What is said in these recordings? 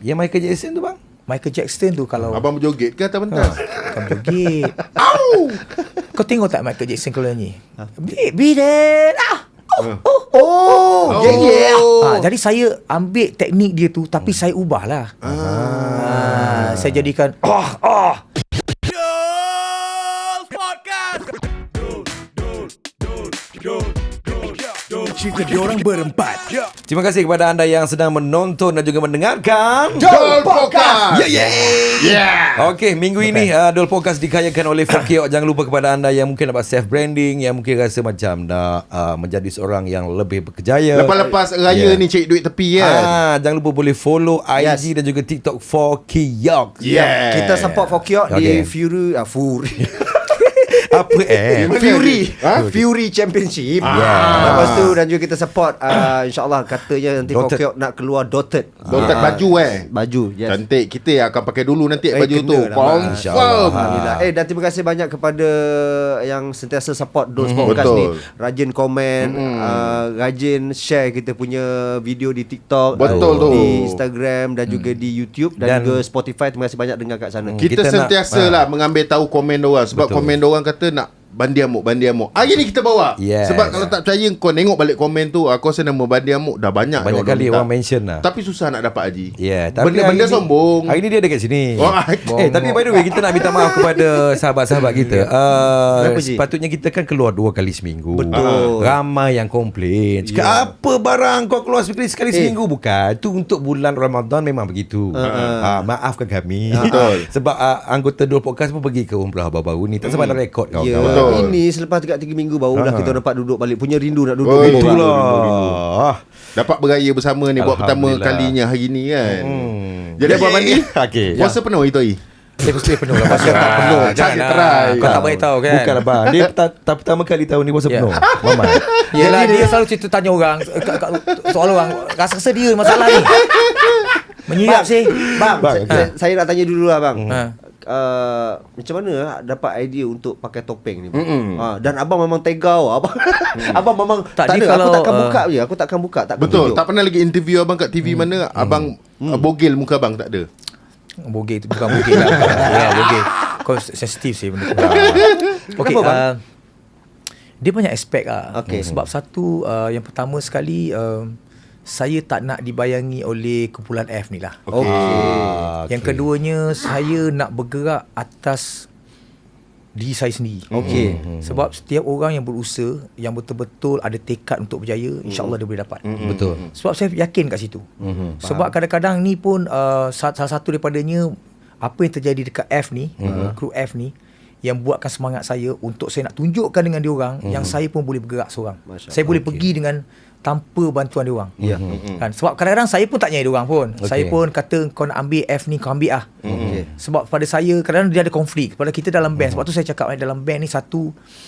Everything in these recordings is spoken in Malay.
Yang Michael Jackson tu bang? Michael Jackson tu kalau Abang berjoget ke atas pentas? Bukan berjoget. Kau tengok tak Michael Jackson kalau nyanyi? Beat it. Jadi saya ambil teknik dia tu, tapi saya ubah lah. Saya jadikan Cerita diorang berempat. Terima kasih kepada anda yang sedang menonton dan juga mendengarkan Dol Podcast. Okey, minggu ini Dol Podcast dikayakan oleh Fokiok. Jangan lupa kepada anda yang mungkin dapat self branding, yang mungkin rasa macam nak menjadi seorang yang lebih berkejaya. Lepas raya ni cari duit tepi kan. Jangan lupa boleh follow IG dan juga TikTok Fokiok. Kita support Fokiok di Fury Apa Fury Championship. Lepas tu dan juga kita support InsyaAllah katanya nanti Fokiok nak keluar dotted baju baju. Cantik. Kita akan pakai dulu nanti baju tu. Confirm. Alhamdulillah. Dan terima kasih banyak kepada yang sentiasa support Dolls Podcast ni. Rajin komen, rajin share kita punya video di TikTok, Betul tu. di Instagram dan juga di YouTube dan juga Spotify. Terima kasih banyak dengar kat sana. Kita sentiasa lah mengambil tahu komen diorang. Sebab komen diorang kata nak Bandi Amuk. Hari ni kita bawa. Sebab kalau tak percaya, kau tengok balik komen tu, aku rasa nama Bandi Amuk dah banyak kali orang mention lah. Tapi susah nak dapat Haji. Tapi benda sombong. Hari ni dia dekat sini. Tapi by the way, kita nak minta maaf kepada sahabat-sahabat kita. Sepatutnya kita kan keluar 2 kali seminggu. Betul. Ramai yang komplain. Cakap apa barang kau keluar sekali seminggu. Bukan. Itu untuk bulan Ramadan memang begitu. Maafkan kami. Betul. Sebab anggota Dol Podcast pun pergi ke umrah baru-baru ni. Tak sempat nak rekod kau. Ini selepas 3 minggu baru dah kita dapat duduk balik. Punya rindu nak duduk. Itulah. Dapat beraya bersama ni buat pertama kalinya hari ni kan. Jadi Abang Mandi, puasa penuh itu hari? Saya penuh lah. Puasa tak penuh. Jangan try. Kau tak baik tahu kan. Bukan abang. Dia pertama kali tahun ni puasa penuh. Mama. Yelah, dia selalu cerita tanya orang soal orang. Rasa dia masalah ni. Menyirap sih. Bang, saya nak tanya dulu lah bang. Macam mana dapat idea untuk pakai topeng ni? Dan abang memang tegau. Abang memang tak ada. Aku takkan buka je. Aku takkan buka. Betul. Tak pernah lagi interview abang kat TV mana abang bogel muka abang, tak ada. Bogel tu bukan bogel lah. Bogel. Kau sensitif sih benda tu. Okey, dia banyak aspek lah. Sebab satu, yang pertama sekali, saya tak nak dibayangi oleh kumpulan F ni lah. Yang keduanya, saya nak bergerak atas diri saya sendiri. Sebab setiap orang yang berusaha, yang betul-betul ada tekad untuk berjaya, insyaAllah dia boleh dapat. Betul. Sebab saya yakin kat situ. Sebab kadang-kadang ni pun salah satu daripadanya, apa yang terjadi dekat F ni, kru F ni, yang buatkan semangat saya untuk saya nak tunjukkan dengan diorang yang saya pun boleh bergerak seorang. Saya boleh pergi dengan tanpa bantuan diorang. Kan? Sebab kadang-kadang saya pun tak nyai diorang pun. Saya pun kata kau nak ambil F ni, kau ambil lah. Sebab pada saya kadang-kadang dia ada konflik pada kita dalam band. Sebab tu saya cakap dalam band ni satu,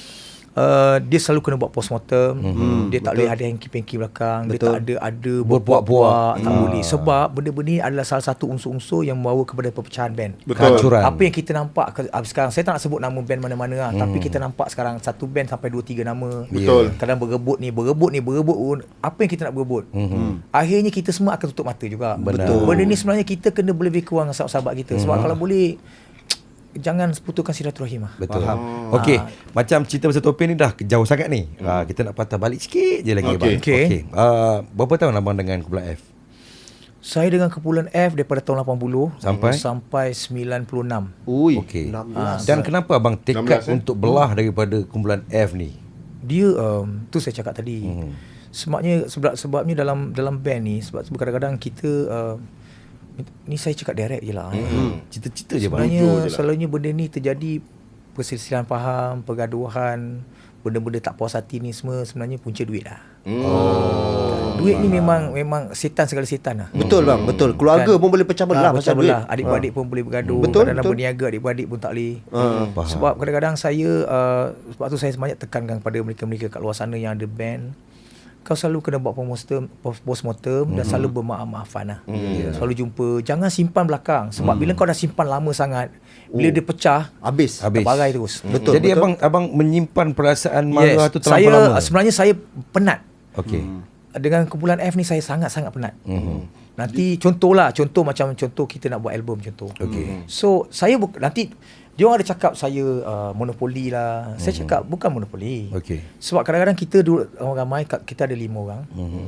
dia selalu kena buat postmortem. Dia tak boleh ada hanky-panky belakang. Dia tak ada berbuat-buat. Tak boleh. Sebab benda-benda ni adalah salah satu unsur-unsur yang membawa kepada perpecahan band. Kehancuran. Apa yang kita nampak sekarang, saya tak nak sebut nama band mana-mana lah, tapi kita nampak sekarang satu band sampai 2-3 nama. Betul. Kadang berebut pun. Apa yang kita nak berebut? Akhirnya kita semua akan tutup mata juga. Betul. Benda ni sebenarnya kita kena lebih kurang dengan sahabat-sahabat kita. Sebab kalau boleh, jangan putuskan silaturahim lah. Betul. Okey, macam cerita pasal topeng ni dah jauh sangat ni. Kita nak patah balik sikit je lagi. Okey. Berapa tahun abang dengan kumpulan F? Saya dengan kumpulan F daripada tahun 80 sampai 96. Okey. Dan kenapa abang tekad untuk belah daripada kumpulan F ni? Dia tu saya cakap tadi. Sebabnya dalam band ni, sebab kadang-kadang kita ni saya cakap direct je lah. Cita-cita je bang. Sebenarnya selalunya benda ni terjadi perselisihan faham, pergaduhan, benda-benda tak puas hati ni semua sebenarnya punca duit lah. Duit ni memang setan segala setan lah. Betul bang, betul. Keluarga pun boleh pecah belah pasal duit. Adik-beradik pun boleh bergaduh. Betul. Kadang-kadang berniaga adik-beradik pun tak boleh. Sebab kadang-kadang saya sebab tu saya banyak tekankan kepada mereka-mereka kat luar sana yang ada band. Kau selalu kena buat postmortem dan selalu bermaaf-maafan lah. Selalu jumpa. Jangan simpan belakang. Sebab bila kau dah simpan lama sangat, bila dia pecah, habis. Terbarai terus. Betul. Jadi abang menyimpan perasaan marah tu terlalu lama. Sebenarnya saya penat. Dengan kumpulan F ni saya sangat-sangat penat. Nanti contoh macam kita nak buat album contoh. Okay. So saya nanti dia orang ada cakap saya monopoli lah. Saya cakap bukan monopoli. Okay. Sebab kadang-kadang kita orang ramai, kita ada 5 orang.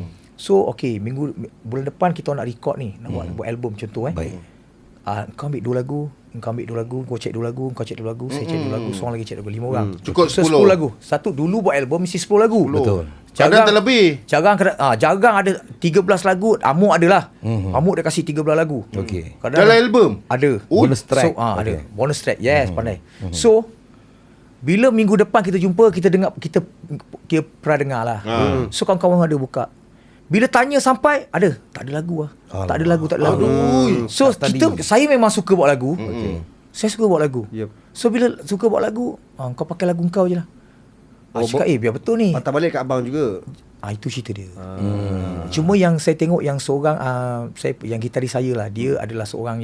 So bulan depan kita nak record ni, nak buat album contoh Baik. Kau ambil 2 lagu, kau ambil 2 lagu, kau cek 2 lagu, kau cek 2 lagu, saya cek 2 lagu, seorang lagi cek 2 lagu, 5 orang. Cukup So 10 lagu. Satu dulu buat album mesti 10 lagu. Betul. Kadang terlebih. Jarang ada 13 lagu, Amuk adalah. Amuk dia kasih 13 lagu. Okay. Dalam album Ada. Bonus track. So, ada. Bonus track. Yes, pandai. So, bila minggu depan kita jumpa, kita dengar, kita pernah dengar lah. So, kawan-kawan ada buka. Bila tanya sampai, tak ada lagu lah. Tak ada lagu. So, saya memang suka buat lagu. Saya suka buat lagu. Yep. So, bila suka buat lagu, kau pakai lagu kau je lah. Cakap, biar betul ni. Patah balik kat abang juga. Itu cerita dia. Cuma yang saya tengok yang seorang yang gitaris saya lah, dia adalah seorang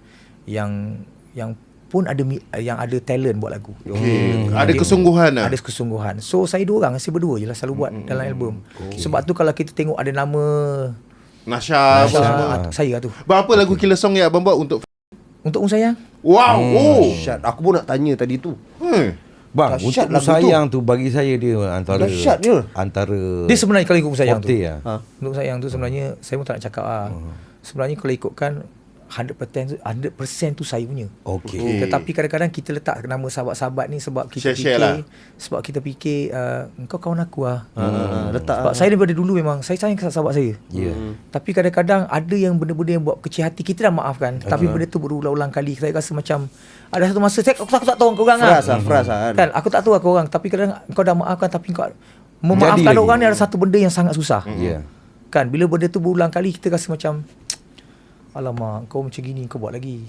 yang pun ada talent buat lagu. Ada kesungguhan lah. Ada kesungguhan. So saya 2 orang, saya berdua je lah selalu buat dalam album. Sebab tu kalau kita tengok ada nama Nasha saya tu. Berapa lagu Killer Song yang abang buat untuk Sayang? Wow. Syat. Aku pun nak tanya tadi tu. Bang, Dahsyat untuk lagu sayang tu bagi saya dia antara Dahsyatnya. antara Dia sebenarnya kalau ikut sayang tu. Forte Untuk sayang tu sebenarnya saya pun tak nak cakap lah. Sebenarnya kalau ikutkan 100% tu saya punya. Okey. Tetapi kadang-kadang kita letak nama sahabat-sahabat ni sebab kita Share-share fikir lah. sebab kita fikir engkau kawan aku lah. Letak. Sebab saya daripada dulu memang saya sayang sahabat saya. Tapi kadang-kadang ada yang benda-benda yang buat kecil hati kita dah maafkan, tapi benda tu berulang-ulang kali. Saya rasa macam ada satu masa aku tak tahu kau orang Fras kan. Aku tak tahu kau orang, tapi kadang kau dah maafkan tapi kau memaafkan orang ni ada satu benda yang sangat susah. Kan bila benda tu berulang kali kita rasa macam alamak, kau macam gini kau buat lagi.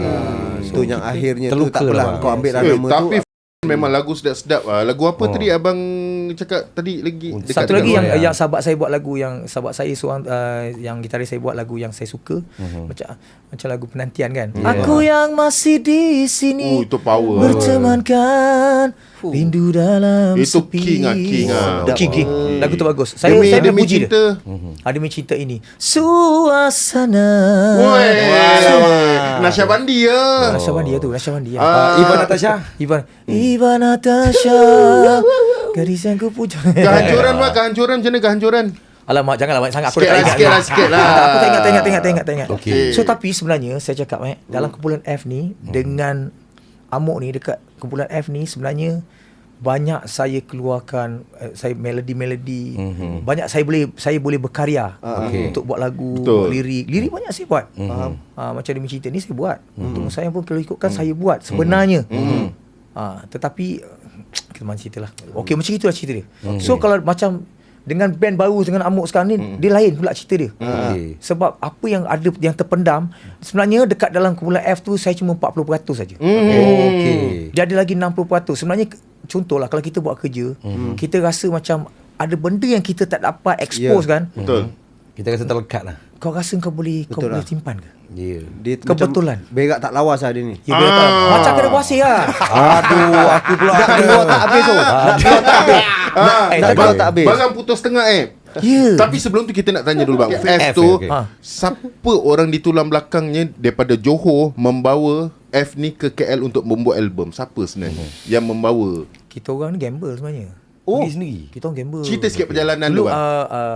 So yang akhirnya tu terluka tak apalah lah, kau ambil lah nama tu. Tapi memang lagu sedap-sedap lah. Lagu apa tadi abang cakap tadi lagi? Satu lagi yang sahabat saya buat lagu, yang sahabat saya seorang yang gitaris saya buat lagu yang saya suka, macam lagu Penantian kan. Aku yang masih di sini itu power. bertemankan rindu dalam Itu sepi. King lah. King. Lagu tu bagus. Saya Demi puji dia. Cinta. Demi Cinta ini. Suasana. Nasha Bandi ya. Nasha Bandi tu. Ivan Natasha. Ivan Natasha. Gadis yang ku puja. Kehancuran bang, kehancuran macam mana kehancuran? Alamak, janganlah banyak sangat. Aku Sikit lah. Aku tak ingat. Okey. So tapi sebenarnya saya cakap dalam kumpulan F ni dengan Amuk ni, dekat kumpulan F ni sebenarnya banyak saya keluarkan saya melodi-melodi. Banyak saya boleh berkarya untuk buat lagu, buat lirik banyak saya buat. Macam Demi Cinta ni saya buat. Untuk saya pun kalau ikutkan saya buat sebenarnya. Tetapi kita mana cerita lah. Okey, macam itulah cerita dia. So kalau macam dengan band baru dengan Amuk sekarang ni, dia lain pula cerita dia. Sebab apa yang ada yang terpendam sebenarnya dekat dalam kumpulan F tu saya cuma 40% saja. Okey. Dia ada lagi 60%. Sebenarnya contohlah kalau kita buat kerja, kita rasa macam ada benda yang kita tak dapat expose kan. Betul. Kita rasa terlekat lah. Kau rasa kau boleh simpan ke? Dia Kebetulan. macam berak tak lawas lah dia ni. Ya, macam kena puasih lah. Aduh, aku pula Nak keluar tak habis tu. Nak keluar tak habis. Nak keluar tak habis. Barang putus tengah Tapi sebelum tu kita nak tanya dulu bang. F tu siapa orang di tulang belakangnya daripada Johor membawa F ni ke KL untuk membuat album? Siapa sebenarnya yang membawa? Kita orang ni gamble sebenarnya. sendiri. Kita orang gamble. Cerita sikit perjalanan dulu tu bang.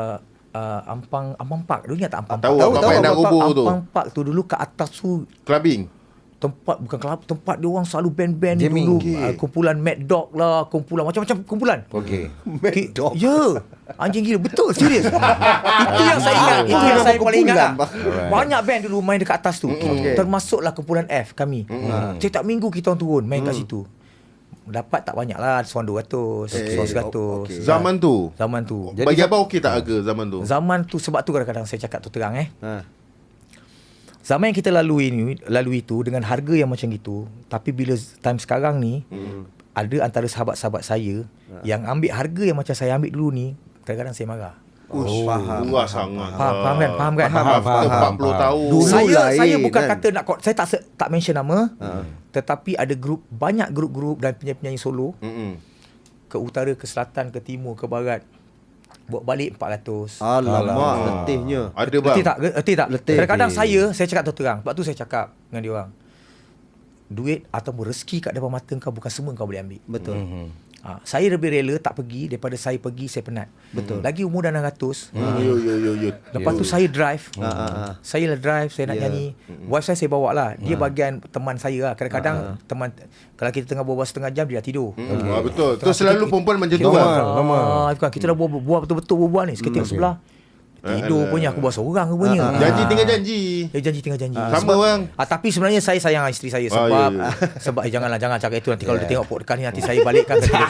Ampang Park. Dulu ingat tak Ampang Tahu, Park? Ampang Park yang nak rubuh tu. Ampang Park tu dulu kat atas tu Clubbing. tempat bukan kelab, tempat dia orang selalu band-band ni Jamming. dulu. Kumpulan Mad Dog lah, kumpulan macam-macam kumpulan. Okey. Mad Dog. Ya. Anjing gila, betul, serius. Itu yang saya ingat, itu yang saya paling ingat. Lah. Banyak band dulu main dekat atas tu. Termasuklah kumpulan F kami. Setiap minggu kita orang turun main kat situ. Dapat tak banyak lah, seorang 200, seorang 100. Zaman tu. Zaman tu. Bagi abang okey tak harga zaman tu? Zaman tu sebab tu kadang-kadang saya cakap tu terang Zaman yang kita lalui tu dengan harga yang macam gitu, tapi bila time sekarang ni ada antara sahabat-sahabat saya yang ambil harga yang macam saya ambil dulu ni, kadang-kadang saya marah. Faham. Murah sangat. Faham kan? Faham. 40 tahun. Dulu Saya lain, bukan kan? kata nak saya tak mention nama, tetapi ada banyak grup-grup dan penyanyi-penyanyi solo ke utara, ke selatan, ke timur, ke barat Buat balik 400. Alamak, letihnya. Ada bang. Letih tak? Letih. Kadang-kadang saya cakap terang. Sebab tu saya cakap dengan dia orang. Duit ataupun rezeki kat depan mata kau bukan semua kau boleh ambil. Betul. Saya lebih rela tak pergi daripada saya pergi saya penat. Betul. Lagi umur dah 600. Yo. Lepas tu saya drive. Saya lah drive, saya nak nyanyi. Wife saya bawa lah. Dia bagian teman saya lah. Kadang-kadang teman, kalau kita tengah berbual setengah jam dia dah tidur. Betul. Tu selalu perempuan macam tu bang. Kita dah buat betul-betul berbual ni. Seketika sebelah tidur punya, aku buat seorang rupanya. Janji tinggal janji. Janji tinggal janji. Sama bang. Tapi sebenarnya saya sayang isteri saya sebab sebab jangan cakap itu nanti kalau dia tengok podcast ni nanti saya balikkan ke dia.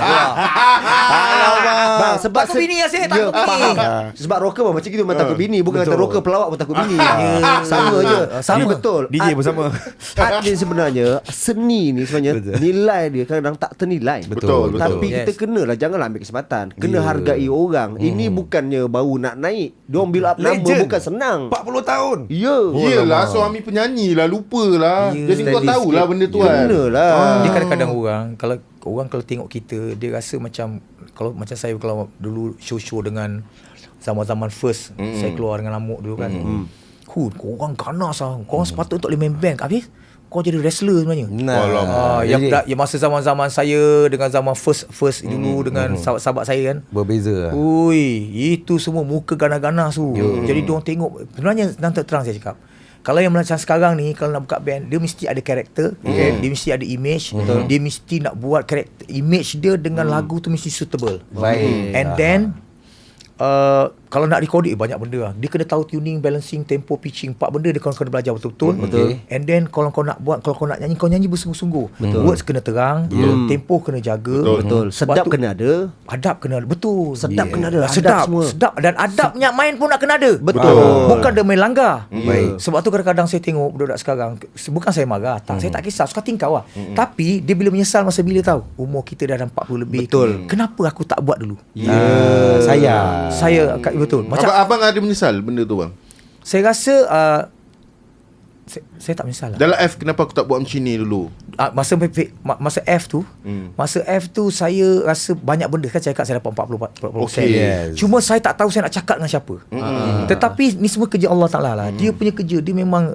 Bang, sebab takut bini saya takut bini. Sebab rocker pun macam gitu, memang takut bini, bukan kata rocker pelawak pun takut bini. Sama je. Sama. Betul. DJ pun sama. Art ni sebenarnya, seni ni sebenarnya nilai dia kadang-kadang tak ternilai. Betul. Tapi kita kenalah, janganlah ambil kesempatan. Kena hargai orang. Ini bukannya baru nak naik. Diorang build up nama bukan senang. 40 tahun. Ya. Yelah, suami penyanyi lah, lupa lah. Jadi kau steady tahulah sikit. benda tu kan. Kenalah. Dia kadang-kadang orang kalau tengok kita, dia rasa macam kalau macam saya kalau dulu show dengan zaman-zaman first saya keluar dengan Lamuk dulu kan. Kau orang ganas lah. Kau orang sepatutnya tak boleh main band. Habis kau jadi wrestler sebenarnya. Yang masa zaman-zaman saya dengan zaman first dulu dengan sahabat-sahabat saya kan. Berbeza lah. Ui, itu semua muka ganas-ganas tu. Jadi diorang tengok. Sebenarnya nanti terang saya cakap. Kalau yang macam sekarang ni, kalau nak buka band, dia mesti ada karakter, dia mesti ada image, dia mesti nak buat karakter image dia dengan lagu tu mesti suitable. Baik. And then kalau nak record banyak benda lah. Dia kena tahu tuning, balancing, tempo, pitching. 4 benda dia kena belajar betul-betul. And then kalau kau nak buat, kalau kau nak nyanyi, kau nyanyi bersungguh-sungguh. Words kena terang, tempo kena jaga. Betul. Sedap kena ada. Adab kena ada. Betul. Sedap kena ada. Sedap Semua. Sedap. Dan adabnya main pun nak kena ada. Betul. Bukan dia main langgar. Baik. Sebab tu kadang-kadang saya tengok budak-budak sekarang, bukan saya marah, saya tak kisah, suka tingkau lah. Tapi dia bila menyesal masa bila tahu umur kita dah 40 lebih. Betul. Kenapa aku tak buat dulu? Saya Betul. Macam Abang ada menyesal benda tu bang? saya rasa saya tak menyesal lah. Dalam F, kenapa aku tak buat macam ni dulu? Masa F tu saya rasa banyak benda kan, saya cakap saya dapat 40%. Okay, yes. Cuma saya tak tahu saya nak cakap dengan siapa. Tetapi ni semua kerja Allah Taala lah. Dia punya kerja, dia memang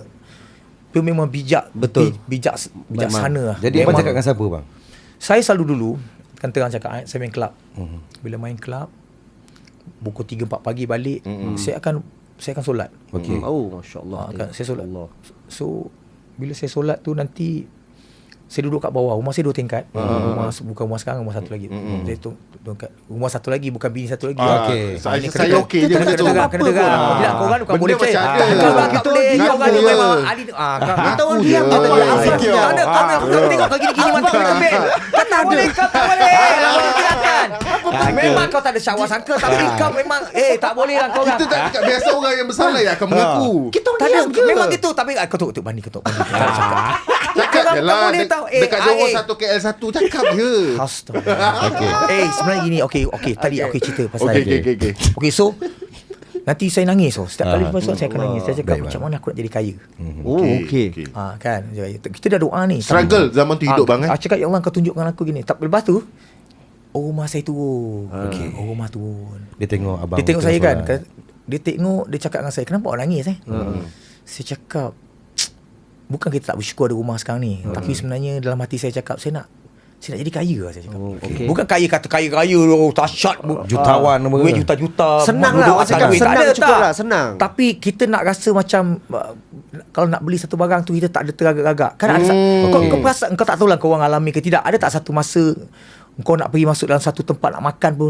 bijak. Betul. Bijaksana lah. Jadi abang cakap dengan siapa bang? Saya selalu dulu kan terang cakap, saya main kelab. Bila main kelab pukul 3-4 pagi balik, saya akan solat. Okey. Oh, masya-Allah. Kan saya solat. So bila saya solat tu nanti saya duduk kat bawah. Rumah saya 2 tingkat. Bukan rumah sekarang, rumah satu lagi. Saya tu rumah satu lagi, bukan bini satu lagi. Okey. Saya okey je Kena benda tu. dengar. Bila korang bukan Benda boleh macam percaya. ada. Kita boleh. Korang ni memang ahli. Kita orang Aku je. diam, kita Abang diam. insecure. Tak ada. Kau tengok kau gini-gini mantap dengan band. Kau tak boleh. Kau tak boleh. Silakan. Memang kau tak ada syawak sangka, tapi kau memang tak boleh lah kau orang. Kita tak cakap, biasa orang yang bersalah yang akan mengaku. Kita orang Tak ada. diam je. Memang gitu. Tapi kau tu bani. Tak ada cakap. Cakap je lah. boleh tahu. Dekat Johor 1 KL 1, cakap je. Astagfirullah. Sebenarnya gini. Okey. Tadi aku cerita pasal Okey. Okey, so nanti saya nangis. Setiap kali lepas saya akan nangis. Saya cakap macam mana aku nak jadi kaya. Oh, okey. Kan. Kita dah doa ni. Struggle zaman tu hidup bang Aku cakap, ya Allah, kau tunjukkan aku gini. Tak lepas tu rumah saya turun. Rumah turun. Dia tengok abang. Dia tengok saya kan. solat. Dia tengok, dia cakap dengan saya, kenapa awak nangis Saya cakap, bukan kita tak bersyukur ada rumah sekarang ni. Tapi sebenarnya dalam hati saya cakap, saya nak jadi kaya lah, saya cakap. Bukan kaya kata kaya-kaya dahsyat Jutawan duit juta-juta. Senang duduk lah. atas Cakap duit. Tak senang ada, cukup tak. lah. Senang. Tapi kita nak rasa macam kalau nak beli satu barang tu kita tak ada teragak-agak. Kan ada kau perasan, kau tak tahulah kau orang alami ke tidak. Ada tak satu masa kau nak pergi masuk dalam satu tempat nak makan pun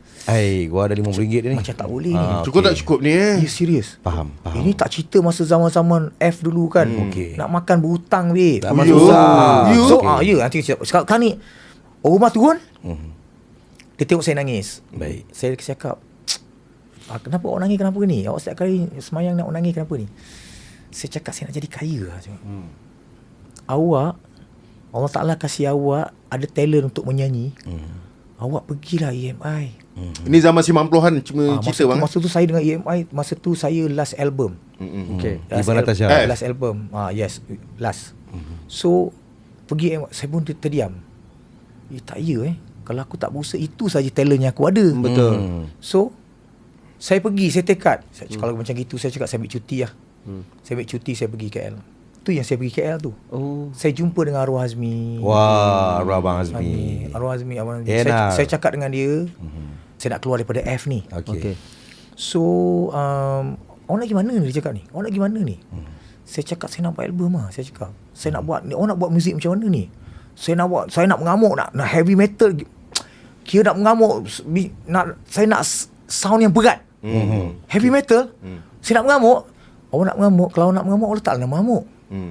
Gua ada RM50 dia ni. macam tak boleh ni. Cukup tak cukup ni Ya, serius. Faham. Ini tak cerita masa zaman-zaman F dulu kan. Okey. Nak makan berhutang babe. Zaman susah. So nanti cerita. Sekarang ni rumah turun. Dia tengok saya nangis. Baik. Saya cakap, kenapa awak nangis, kenapa ni? Awak setiap kali semayang nak nangis, kenapa ni? Saya cakap, saya nak jadi kaya lah. Awak, Allah Ta'ala kasih awak ada talent untuk menyanyi. Awak pergilah EMI. Ini zaman 90-an cuma cerita bang. Masa tu saya dengan EMI, masa tu saya last album. Okey. Iban Natasha. Last album. Yes, last. So pergi EMI, saya pun terdiam. Tak ya Kalau aku tak berusaha, itu saja talent yang aku ada. Betul. So Saya pergi, saya tekad. Kalau macam gitu saya cakap saya ambil cuti lah. Saya ambil cuti, saya pergi KL. Tu yang saya pergi KL tu. Saya jumpa dengan Arwah Azmi. Wah, Arwah Abang Azmi. Arwah Azmi, Abang Azmi. Enak. Saya cakap dengan dia, saya nak keluar daripada F ni. Okey. So awak nak pergi mana ni, dia cakap ni? Awak nak pergi mana ni? Saya cakap saya nak buat album lah. Saya cakap saya nak buat, awak nak buat muzik macam mana ni? Saya nak mengamuk, nak heavy metal. Kira nak mengamuk, saya nak sound yang berat. Heavy metal. Saya nak mengamuk. Awak nak mengamuk, kalau awak nak mengamuk, awak letaklah nama amuk.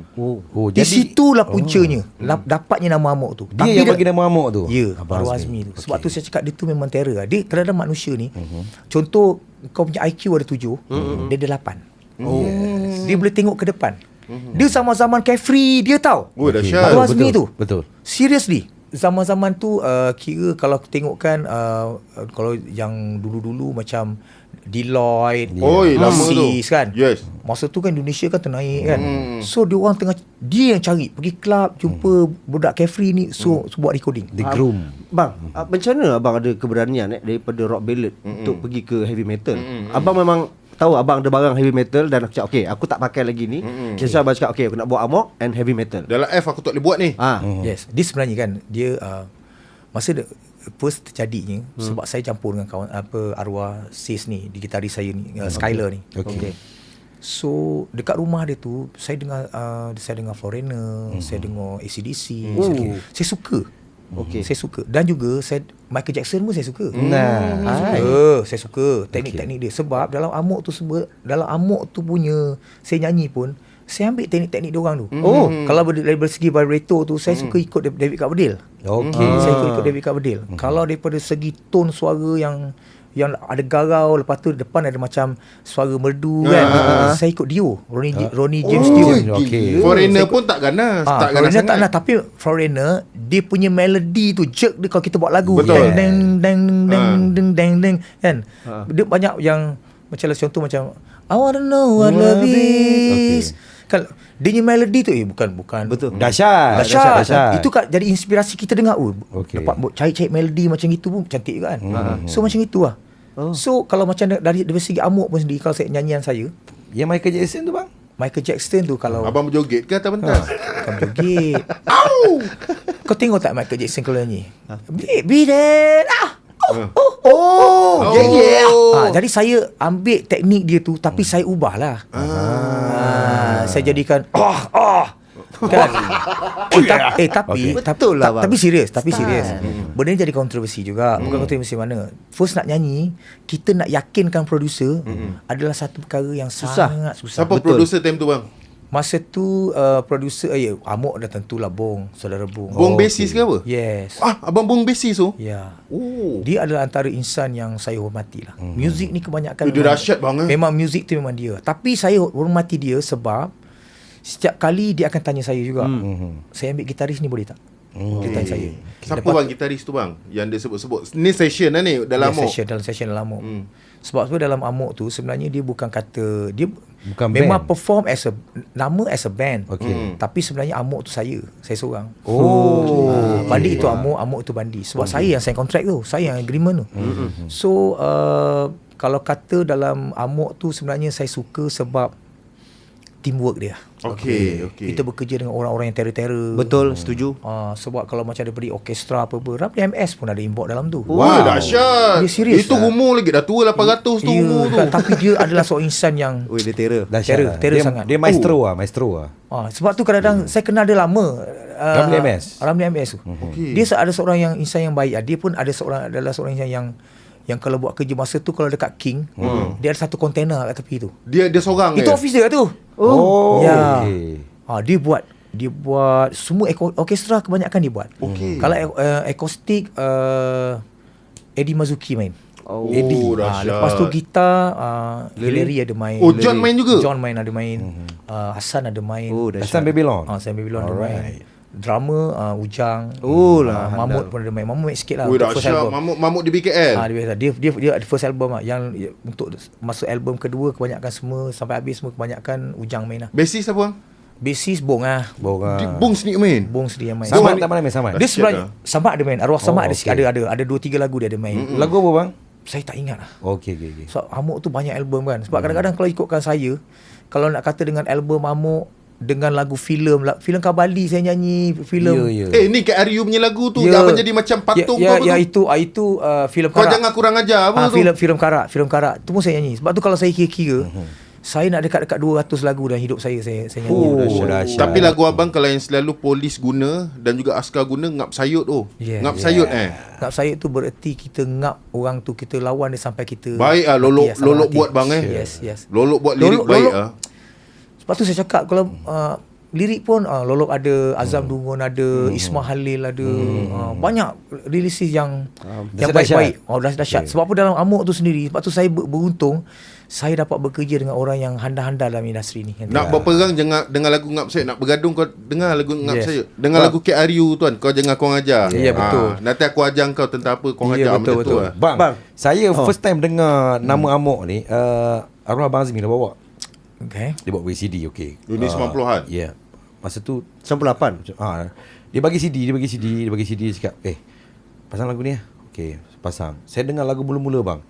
Di situlah puncanya dapatnya nama amuk tu. Dia yang bagi nama amuk tu. Ya, Arwah Azmi tu. Sebab tu saya cakap dia tu memang terror. Dia terhadap manusia ni. Contoh kau punya IQ ada 7, dia ada 8. Dia boleh tengok ke depan. Dia zaman-zaman carefree dia tahu. Dahsyat. Arwah Azmi tu. Betul. Seriously. Zaman-zaman tu kira kalau tengokkan kalau yang dulu-dulu macam Deloitte, lama tu. kan. Yes. Masa tu kan Indonesia kan ternaik kan. So dia orang dia yang cari pergi club jumpa budak carefree ni, so buat recording. The Groom. Bang, macam mana abang ada keberanian daripada rock ballad untuk pergi ke heavy metal? Abang memang tahu abang ada barang heavy metal dan aku cakap okay, aku tak pakai lagi ni. So abang cakap okay, aku nak buat amok and heavy metal. Dalam F aku tak boleh buat ni. Yes. Dia sebenarnya kan dia masa first terjadinya sebab saya campur dengan kawan arwah sis ni, di gitaris saya ni, Skyler ni. Okay. So dekat rumah dia tu saya dengar Foreigner, saya dengar AC/DC. Saya suka. Saya suka. Dan juga Michael Jackson pun saya suka. Saya suka teknik-teknik dia. Sebab dalam amok tu punya saya nyanyi pun saya ambil teknik-teknik dia orang tu. Kalau dari segi vibrato tu saya suka ikut David Coverdale. Saya ikut David Coverdale. Kalau daripada segi tone suara yang ada garau, lepas tu depan ada macam suara merdu kan. Saya ikut Dio, Ronnie James Dio. Foreigner pun tak ganas, tak ganas Foreigner tak sangat. nak, tapi Foreigner dia punya melody tu jerk dia kalau kita buat lagu. Betul. Deng deng deng deng deng deng kan. Dia banyak yang macam contoh macam I wanna know what love is. Kan dia punya melody tu bukan Betul. Dahsyat. Itu kan jadi inspirasi kita dengar. Dapat cari melody macam itu pun cantik juga kan. So macam itu lah. So kalau macam dari segi amuk pun sendiri, kalau nyanyian saya Yang Michael Jackson tu bang? Michael Jackson tu kalau Abang berjoget ke atas pentas? bukan berjoget. Kau tengok tak Michael Jackson kalau nyanyi? Be there. Jadi saya ambil teknik dia tu tapi saya ubahlah. Saya jadikan kan. Tapi betul lah, bang. Tapi serius. Benda ni jadi kontroversi juga. Bukan kontroversi mana. First nak nyanyi, kita nak yakinkan producer adalah satu perkara yang sangat susah. Siapa producer time tu bang? Masa tu producer Amok dah tentulah Bong, saudara Bong. Bong basis ke apa? Yes. Abang Bong basis tu? Ya. Dia adalah antara insan yang saya hormati lah. Muzik ni kebanyakan Dia dahsyat bang. memang muzik tu memang dia. Tapi saya hormati dia sebab setiap kali dia akan tanya saya juga. Saya ambil gitaris ni boleh tak? Dia tanya saya. Siapa bang gitaris tu bang? Yang dia sebut-sebut. Ni session lah ni dalam Amok. Dalam session dalam Amok. Sebab dalam Amok tu sebenarnya dia bukan kata dia Bukan memang band. perform as a band. Tapi sebenarnya Amok tu saya seorang. Bandi itu Amok itu Bandi. Sebab saya yang sign contract tu, saya yang agreement tu. So kalau kata dalam Amok tu sebenarnya saya suka sebab teamwork dia. Kita bekerja dengan orang-orang yang terror-terror. Betul, setuju. Sebab kalau macam daripada orkestra apa-apa, Ramli MS pun ada involved dalam tu. Wah, dahsyat. Dia serius Itu umur lagi dah tua 800 tu umur tu. Tapi dia adalah seorang insan yang Dia terror. terror sangat. Dia maestro lah. Sebab tu kadang-kadang saya kenal dia lama. Ramli MS tu. Dia ada seorang yang insan yang baik. Dia pun adalah seorang insan yang kalau buat kerja masa tu kalau dekat King, dia ada satu kontainer kat tepi tu. Dia seorang Itu office dia tu. Ya. Dia buat semua orkestra kebanyakan dia buat. Kalau akustik Eddie Mazuki main. Dahsyat. Lepas tu gitar Hillary ada main. John main juga? John main ada main. Hassan ada main. Hassan Babylon. Hassan Babylon ada main. Drama Ujang. Mahmud pun ada main. Mahmud main sikit lah. Dahsyat. Mamut di BKL. Dia ada first album lah. Yang untuk masuk album kedua kebanyakan semua sampai habis semua kebanyakan Ujang main lah. Basis apa bang? Basis Bong lah. Bong sendiri main. Bong sendiri yang main. Samad tak pernah main Samad? Dia sebenarnya Samad ada main. Arwah Samad ada 2-3 lagu dia ada main. Lagu apa bang? saya tak ingat lah. Okey. So Amok tu banyak album kan. Sebab kadang-kadang kalau ikutkan saya, kalau nak kata dengan album Amok dengan lagu filem Kabali saya nyanyi, filem. Ni Kak Aryu punya lagu tu yang apa jadi macam patung itu filem Kau Karak. jangan kurang ajar apa tu. Filem Karak. Tu pun saya nyanyi. Sebab tu kalau saya kira-kira, saya nak dekat-dekat 200 lagu dalam hidup saya nyanyi. Dahsyat. Tapi lagu abang kalau yang selalu polis guna dan juga askar guna, ngap sayut tu. Ngap sayut Ngap sayut tu bererti kita ngap orang tu, kita lawan dia sampai kita. Baik lolok buat bang Yes. Lolok buat lirik baik Sebab tu saya cakap kalau lirik pun Lolok ada, Azam Dungun ada, Ismail Halil ada, banyak releases yang baik-baik. Dahsyat. Sebab apa dalam Amok tu sendiri, sebab tu saya beruntung saya dapat bekerja dengan orang yang handal-handal dalam industri ni. Nak berperang jangan dengar lagu ngap sayut, nak bergaduh kau dengar lagu ngap sayut. Dengar lagu Kak Aryu tuan, kau jangan kau ajar. Ya, betul. Nanti aku ajar kau tentang apa kau ajar betul. Bang, saya first time dengar nama Amok ni, arwah Abang Azmi dah bawa. Okay. Dia bawa bagi CD, okey. Ini 90-an. Ya. Masa tu 98. dia bagi CD, dia cakap, pasang lagu ni lah. Okey, pasang. Saya dengar lagu mula-mula bang.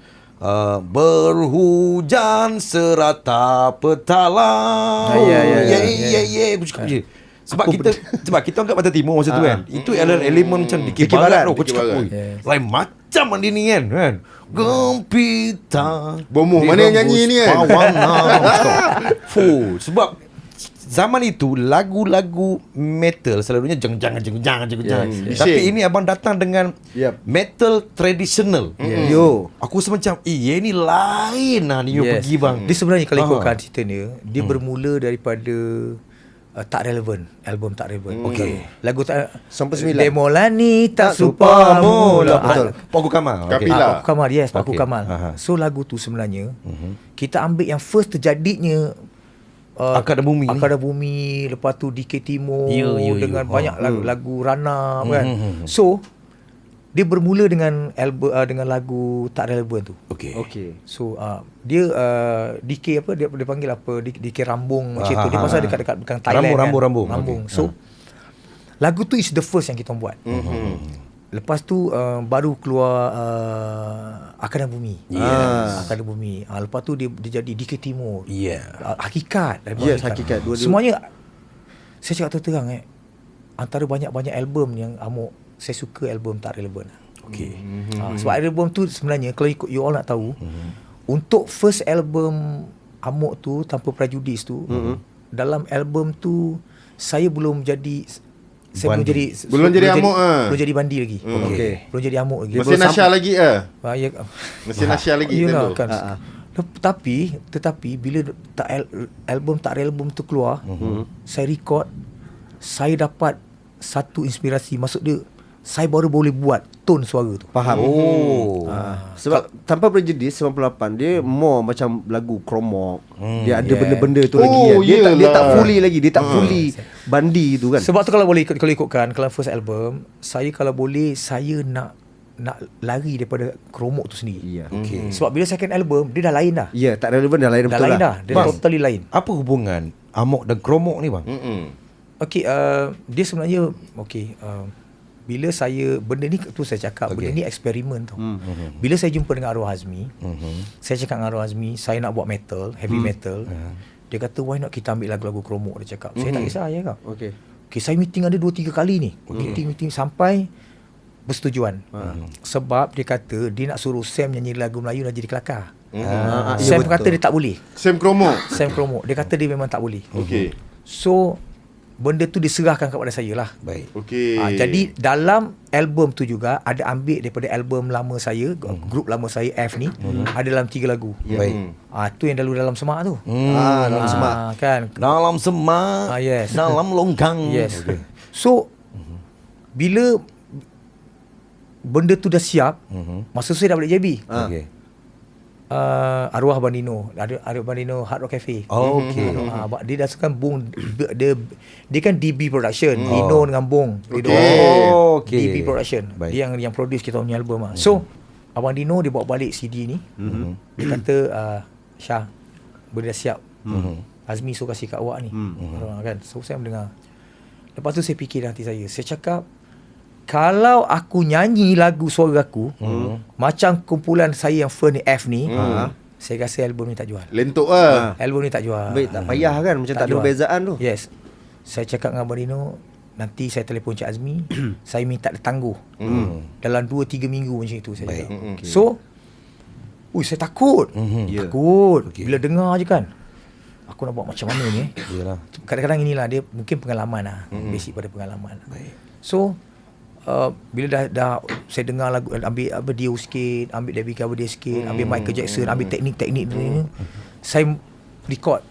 Berhujan serata petala. Ya. Aku cakap je. Sebab kita angkat Pantai Timur masa tu kan. Itu elemen macam Dikir Barat tu. Aku cakap, lain macam dia ni kan. Gempita. Bomoh mana yang nyanyi ni kan? Sebab zaman itu lagu-lagu metal selalunya jeng. Tapi ini abang datang dengan metal tradisional. Aku rasa macam ni lain lah ni pergi bang. Dia sebenarnya kalau ikutkan cerita dia bermula daripada Tak Relevan, album Tak Relevan. Okey. Lagu tak Sampai 9. Demolani tak supa mula. Betul. Paku Kamal. Kapila. Paku Kamal, yes, Paku Okey. Kamal. So lagu tu sebenarnya kita ambil yang first terjadinya Akar dan Bumi, lepas tu Dikir Timur dengan banyak lagu Rana kan. So dia bermula dengan album dengan lagu Tak Relevan tu. Okey. So dia DK apa dia panggil apa DK Rambung macam tu. Dia pasal dekat bukan Thailand. Rambung. So lagu tu is the first yang kita buat. Lepas tu baru keluar Akar dan Bumi. Akar dan Bumi. Lepas tu dia jadi DK Timur. Hakikat. Hakikat. Semuanya saya cakap terang antara banyak-banyak album yang Amok, saya suka album Tak Relevan. Sebab album tu sebenarnya kalau ikut you all nak tahu, untuk first album Amok tu Tanpa Prejudis tu, dalam album tu saya belum jadi Bandi. Belum jadi Amok belum jadi Bandi lagi. Belum jadi Amok lagi. Masih Nasya lagi Masih Nasya lagi kan. Tetapi bila album Tak Relevan tu keluar, saya record, saya dapat satu inspirasi. Maksud dia, saya baru boleh buat tone suara tu. Faham. Sebab Tanpa Prejudis 98 dia more macam lagu kromok. Dia ada benda-benda tu lagi kan. Dia tak fully lagi. Dia tak fully Bandi tu kan. Sebab tu kalau ikutkan, kalau first album, saya kalau boleh saya nak lari daripada kromok tu sendiri. Sebab bila second album dia dah lain dah. Tak relevan dah lain betul lah. Dia totally lain. Apa hubungan Amok dan kromok ni bang? Dia sebenarnya bila saya benda ni tu saya cakap benda ni eksperimen tau. Bila saya jumpa dengan Arwah Azmi, saya cakap dengan Arwah Azmi saya nak buat metal, heavy metal. Dia kata why not kita ambil lagu-lagu kromok, dia cakap. Saya tak kisah ya kau. Saya meeting ada 2-3 kali ni. Meeting sampai bersetujuan. Sebab dia kata dia nak suruh Sam nyanyi lagu Melayu dan jadi kelakar. Sam kata dia tak boleh. Sam kromok. Dia kata dia memang tak boleh. So benda tu diserahkan kepada saya lah. Baik. Jadi dalam album tu juga ada ambil daripada album lama saya, grup lama saya F ni, ada dalam 3 lagu. Baik. Tu yang dalam semak tu. Dalam semak kan. Dalam semak. Yes. Dalam longkang. Yes. So bila benda tu dah siap, masa saya dah balik JB. Arwah Bandino, ada Bandino Hard Rock Cafe. Dia dasarkan Bung, dia kan DB Production, Dino dengan Bung. DB Production. Baik. Dia yang produce kita punya album. So Abang Dino dia bawa balik CD ni. Dia kata Syah, benda dah siap. Azmi suruh kasih kat awak ni. Kan. So saya mendengar. Lepas tu saya fikir dalam hati saya cakap, kalau aku nyanyi lagu suara aku, macam kumpulan saya yang Fern ni, F ni, saya rasa album ni tak jual. Lentok lah. Album ni tak jual. Baik, tak payah kan, macam tak ada jual. perbezaan tu. Yes. Saya cakap dengan Abang Dino, nanti saya telefon Cik Azmi, saya minta dia tangguh. Dalam 2-3 minggu macam itu saya cakap. Okay. So, saya takut. Takut. Bila dengar je kan, aku nak buat macam mana ni? Yalah. Kadang-kadang inilah dia mungkin pengalaman lah. Basic pada pengalaman. So, bila dah saya dengar lagu, ambil apa Dio sikit, ambil David Coverdale sikit, ambil Michael Jackson, ambil teknik-teknik dia, saya record.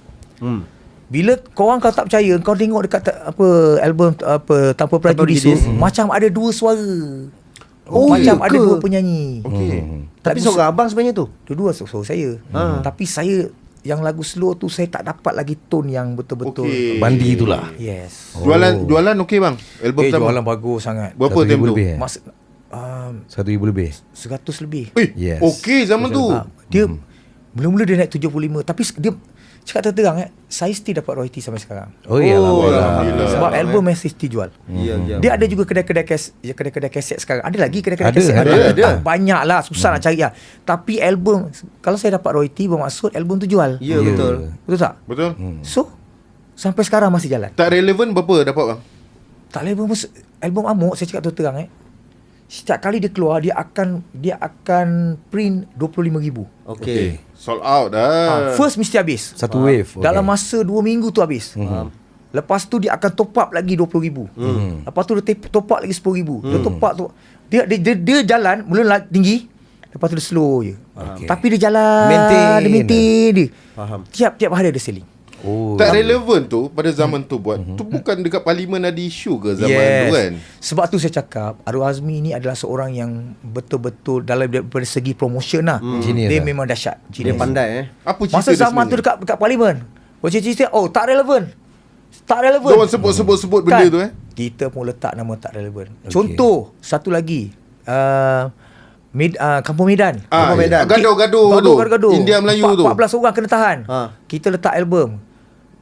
Bila korang kalau tak percaya, kau tengok dekat album Tanpa Prejudice, macam ada dua suara. Macam ada dua penyanyi. Tapi seorang abang sebenarnya tu. Dua-dua suara saya. Tapi saya yang lagu slow tu saya tak dapat lagi tone yang betul-betul Bandi itulah. Yes. Jualan okey bang. Album pertama. Jualan bagus sangat. Berapa time tu? lebih, Mas 1,000 lebih. 100 lebih. Yes. Okey zaman tu. Dia mula-mula dia naik 75, tapi dia cakap terang saya still dapat royalty sampai sekarang. Oh ya, Alhamdulillah. Sebab album masih still jual. Dia ada juga kedai-kedai kaset sekarang. Ada lagi kedai-kedai kaset. ada. Tak banyak lah, susah nak cari lah. Tapi album, kalau saya dapat royalty bermaksud album tu jual. Ya, betul. Betul tak? Betul. So sampai sekarang masih jalan. Tak relevan berapa dapat bang? Tak level album Amok, saya cakap terang setiap kali dia keluar dia akan print 25,000. Okey. Sold out dah. First mesti habis. Satu wave. Okay. Dalam masa 2 minggu tu habis. Lepas tu dia akan top up lagi 20,000. Lepas tu dia top up lagi 10,000. Dia top up tu dia jalan mula tinggi, lepas tu dia slow je. Tapi dia jalan, dia maintain dia. Faham. Tiap-tiap hari ada selling. Tak relevan tu pada zaman tu buat. Tu bukan dekat parlimen ada isu ke zaman tu kan? Sebab tu saya cakap Arwah Azmi ni adalah seorang yang betul-betul dalam daripada segi promotion lah. Dia memang dahsyat. Dia pandai Apa cerita Masa dia zaman tu sebenarnya? dekat parlimen, cerita tak relevan. Tak relevan. Diorang sebut benda tu Kita pun letak nama tak relevan. Contoh satu lagi, Kampung Medan. Kampung Medan. Gaduh tu. India Melayu tu. 14 orang kena tahan. Kita letak album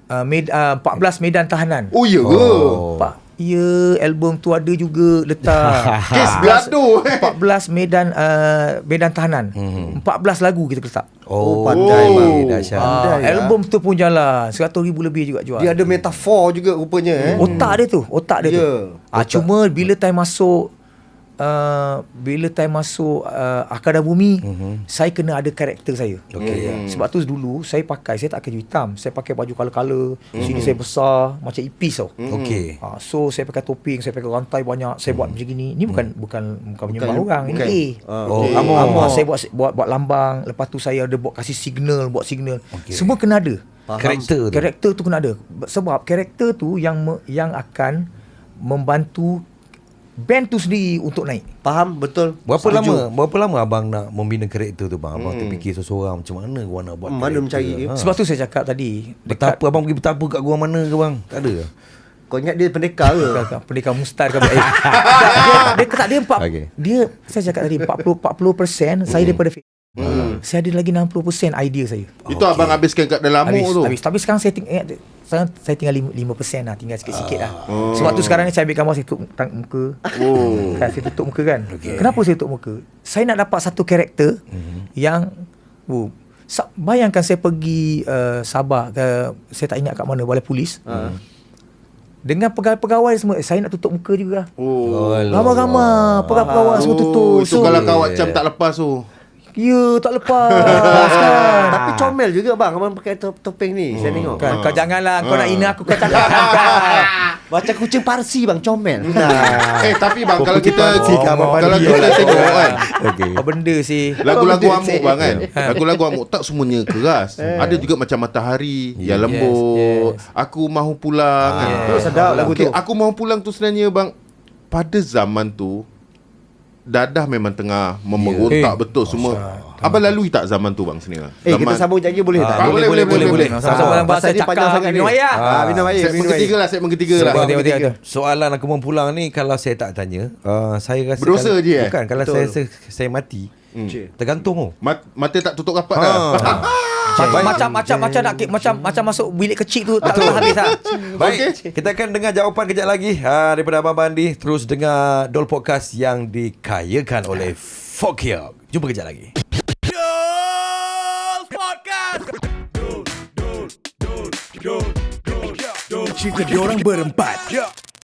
14 Medan Tahanan. Oh ya ke? Ya, album tu ada juga letak Kes gaduh 14 Medan Tahanan. 14 lagu kita letak. Pandai bang. Dahsyat. Album tu pun jalan 100,000 lebih juga jual. Dia ada metafor juga rupanya. Otak dia tu tu. Cuma bila time masuk Akada Bumi, saya kena ada karakter saya. Sebab tu dulu saya tak pakai baju hitam, saya pakai baju color-color. Sini saya besar macam ipis tau. So saya pakai topeng, saya pakai rantai banyak, saya buat macam gini. Ni bukan menyembah orang. Ini Amor. Saya buat lambang. Lepas tu saya ada buat signal. Semua kena ada. Karakter tu kena ada. Sebab karakter tu yang akan membantu band tu sendiri untuk naik. Faham, betul. Berapa lama abang nak membina karakter tu bang? Abang terfikir seseorang macam mana gua nak buat mana mencari dia. Sebab tu saya cakap tadi, abang pergi betapa kat gua mana ke bang? Tak ada. Kau ingat dia pendekar ke? Pendekar Mustar ke? Dia saya cakap tadi 40% saya daripada saya ada lagi 60% idea saya. Itu abang habiskan kat dalam Amok tu. Habis. Tapi sekarang saya tinggal 5% lah, tinggal sikit-sikit lah. Sebab tu sekarang ni saya ambil gambar, saya tutup muka. Kan, saya tutup muka kan. Kenapa saya tutup muka? Saya nak dapat satu karakter yang bayangkan saya pergi Sabah ke, saya tak ingat kat mana, balai polis. Dengan pegawai semua, saya nak tutup muka juga. Ramai-ramai pegawai semua tutup. So kalau kawat macam tak lepas tu. Ya, tak lepas kan. Tapi comel juga bang, abang pakai topeng ni. Saya tengok kan. Kau janganlah kau nak hina aku, kau cakap kan. Macam kucing Parsi bang, comel. Tapi bang, kalau kita tengok kan, apa benda sih lagu-lagu Amok bang kan, lagu-lagu Amok tak semuanya keras. Ada juga macam Matahari yang lembut, Aku Mahu Pulang kan. Sedap lagu tu. Aku Mahu Pulang tu sebenarnya bang, pada zaman tu Dadah memang tengah memerontak betul semua. Abang lalui tak zaman tu bang sini lah? Kita sambung janji boleh tak? Boleh. Sama-sama bahasa dia panjang sangat ni. Minum air. Segmen ketiga lah. Soalan Aku Mahu Pulang ni, kalau saya tak tanya, saya rasa berdosa je bukan, kalau saya mati, tergantung. Mata tak tutup rapat dah. Macam masuk bilik kecil tu tak habis lah. Baik, kita akan dengar jawapan kejap lagi daripada Abang Bandi. Terus dengar Dol Podcast yang dikayakan oleh Fokia. Jumpa kejap lagi. Dol Podcast. Dol. Cerita diorang berempat.